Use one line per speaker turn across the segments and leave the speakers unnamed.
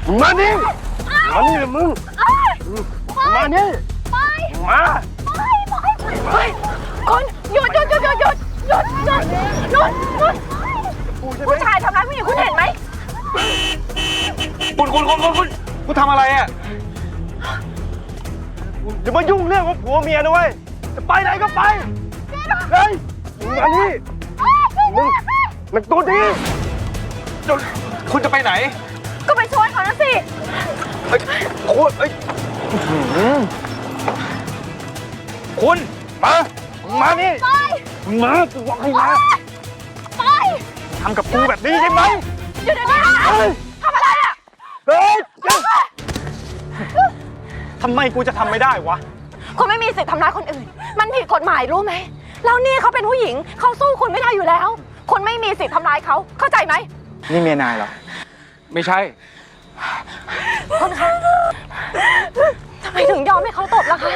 มานี่มานี่มึงมานี่มา
คนหยุดผู้ชายทำร้ายผู้หญิงคุณเห็นไหม
คุณทำอะไรอ่ะอย่ามายุ่งเรื่องของผัวเมียนะเว้ยจะไปไหนก็ไปเฮ้ยมานี่มึงมันตัวดีคุณจะไปไหน
ก็ไปช่วยเขานะสิ
คุณมานี่มากูบอกให้มา
ไป
ทำกับกูแบบนี้ใช่ไหม
อยู่เดี๋ยวนี้ทำอะไรอ่ะ
ทำไมกูจะทำไม่ได้วะ
คุณไม่มีสิทธิ์ทำร้ายคนอื่นมันผิดกฎหมายรู้ไหมแล้วนี่เขาเป็นผู้หญิงเขาสู้คุณไม่ได้อยู่แล้วคุณไม่มีสิทธิ์ทำร้ายเขาเข้าใจไหม
นี่เมียนายเหรอไม่ใช่
คุณคะทำไมถึงยอมให้เขาตบล่ะคะ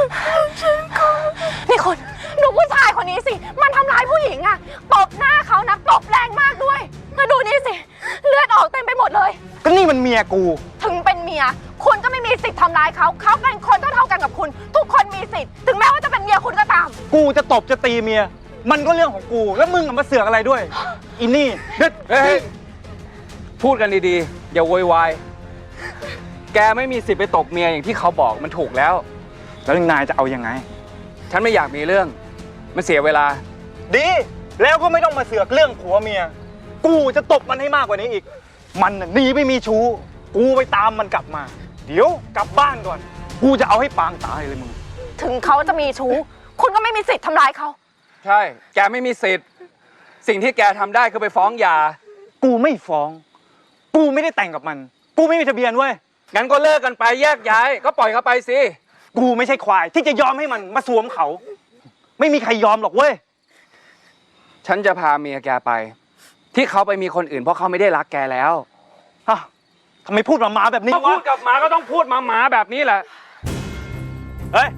นี่คุณดูผู้ชายคนนี้สิมันทำร้ายผู้หญิงอะตบหน้าเขานะตบแรงมากด้วยแล้วดูนี่สิเลือดออกเต็มไปหมดเลย
ก็นี่มันเมียกู
ถึงเป็นเมียคุณก็ไม่มีสิทธิ์ทำร้ายเขาเป็นคนเท่ากันกับคุณทุกคนมีสิทธิ์ถึงแม้ว่าจะเป็นเมียคุณก็ตาม
กูจะตบจะตีเมียมันก็เรื่องของกูแล้วมึงมาเสือกอะไรด้วยอินนี่
เฮ้ยพูดกันดีๆอย่าโวยวายแกไม่มีสิทธิ์ไปตบเมียอย่างที่เขาบอกมันถูกแล้ว
แล้วนายจะเอายังไง
ฉันไม่อยากมีเรื่องมันเสียเวลา
ดีแล้วก็ไม่ต้องมาเสือกเรื่องผัวเมียกูจะตบมันให้มากกว่านี้อีกมันหนีไปมีชู้กูไปตามมันกลับมาเดี๋ยวกลับบ้านก่อนกูจะเอาให้ปางตายเลยมึง
ถึงเขาจะมีชู้คุณก็ไม่มีสิทธิ์ทำร้ายเขา
ใช่แกไม่มีสิทธิ์สิ่งที่แกทำได้คือไปฟ้องหย่า
กูไม่ฟ้องกูไม่ได้แต่งกับมันกูไม่มีทะเบียนเว้ย
งั้นก็เลิกกันไปแยกย้ายก็ปล่อยเขาไปสิ
กูไม่ใช่ควายที่จะยอมให้มันมาสวมเขาไม่มีใครยอมหรอกเว้ย
ฉันจะพาเมียแกไปที่เขาไปมีคนอื่นเพราะเขาไม่ได้รักแกแล้ว
ฮะทำไมพูดหมาแบบนี้วะ
พูดกับหมาก็ต้องพูดหมาแบบนี้แหละ
เฮ้ย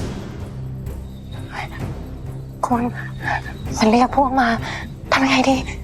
คุณฉันเรียกพวกมาทำยังไงดี